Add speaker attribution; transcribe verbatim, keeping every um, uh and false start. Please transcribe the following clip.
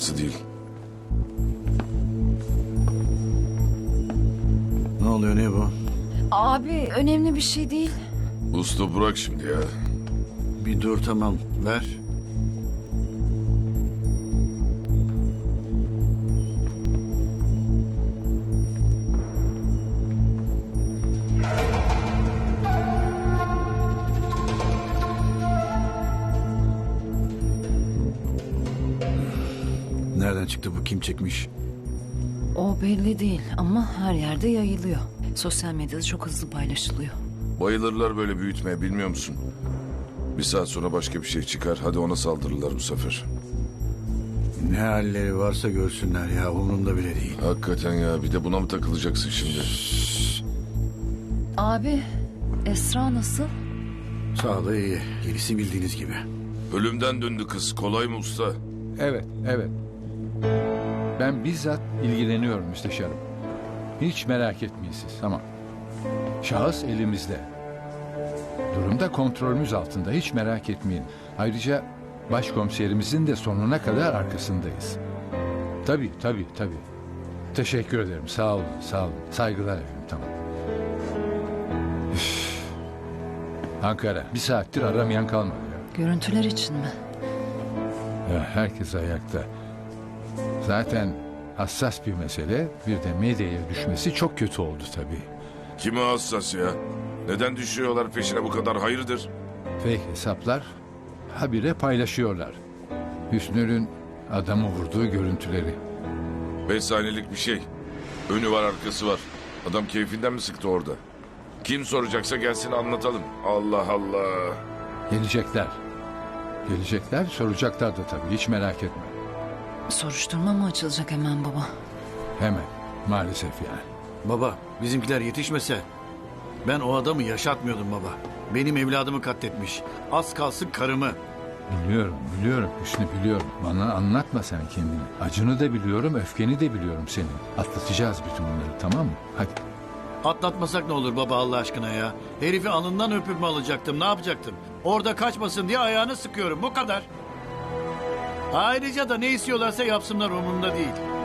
Speaker 1: değil.
Speaker 2: Ne oluyor, ne bu?
Speaker 3: Abi önemli bir şey değil.
Speaker 1: Usta bırak şimdi ya.
Speaker 2: Bir dur, tamam, ver. Nereden çıktı bu, kim çekmiş?
Speaker 3: O belli değil ama her yerde yayılıyor. Sosyal medyada çok hızlı paylaşılıyor.
Speaker 1: Bayılırlar böyle büyütmeye, bilmiyor musun? Bir saat sonra başka bir şey çıkar. Hadi ona saldırırlar bu sefer.
Speaker 2: Ne halleri varsa görsünler ya, umurumda bile değil.
Speaker 1: Hakikaten ya, bir de buna mı takılacaksın şimdi?
Speaker 3: Abi Esra nasıl?
Speaker 2: Sağlığı iyi, gerisi bildiğiniz gibi.
Speaker 1: Ölümden döndü kız. Kolay mı usta?
Speaker 4: Evet, evet. Ben bizzat ilgileniyorum müsteşarım. Hiç merak etmeyin siz, tamam. Şahıs elimizde. Durum da kontrolümüz altında, hiç merak etmeyin. Ayrıca başkomiserimizin de sonuna kadar arkasındayız. Tabii, tabii, tabii. Teşekkür ederim, sağ olun, sağ olun. Saygılar efendim, tamam. Üf. Ankara, bir saattir aramayan kalmadı ya.
Speaker 3: Görüntüler için mi?
Speaker 4: Ya, herkes ayakta. Zaten hassas bir mesele, bir de medyaya düşmesi çok kötü oldu tabii.
Speaker 1: Kime hassas ya? Neden düşüyorlar peşine bu kadar, hayırdır?
Speaker 4: Fake hesaplar habire paylaşıyorlar. Hüsnü'nün adamı vurduğu görüntüleri.
Speaker 1: Beş saniyelik bir şey. Önü var, arkası var. Adam keyfinden mi sıktı orada? Kim soracaksa gelsin anlatalım. Allah Allah.
Speaker 4: Gelecekler. Gelecekler, soracaklar da tabii, hiç merak etme.
Speaker 3: Soruşturma mı açılacak hemen baba?
Speaker 4: Hemen, maalesef yani.
Speaker 2: Baba, bizimkiler yetişmese ben o adamı yaşatmıyordum baba. Benim evladımı katletmiş. Az kalsın karımı.
Speaker 4: Biliyorum, biliyorum Hüsnü, biliyorum. Bana anlatma sen kendini. Acını da biliyorum, öfkeni de biliyorum senin. Atlatacağız bütün bunları, tamam mı? Hadi.
Speaker 2: Atlatmasak ne olur baba, Allah aşkına ya. Herifi alından öpüp mü alacaktım, ne yapacaktım? Orada kaçmasın diye ayağını sıkıyorum, bu kadar. Ayrıca da ne istiyorlarsa yapsınlar, umurumda değil.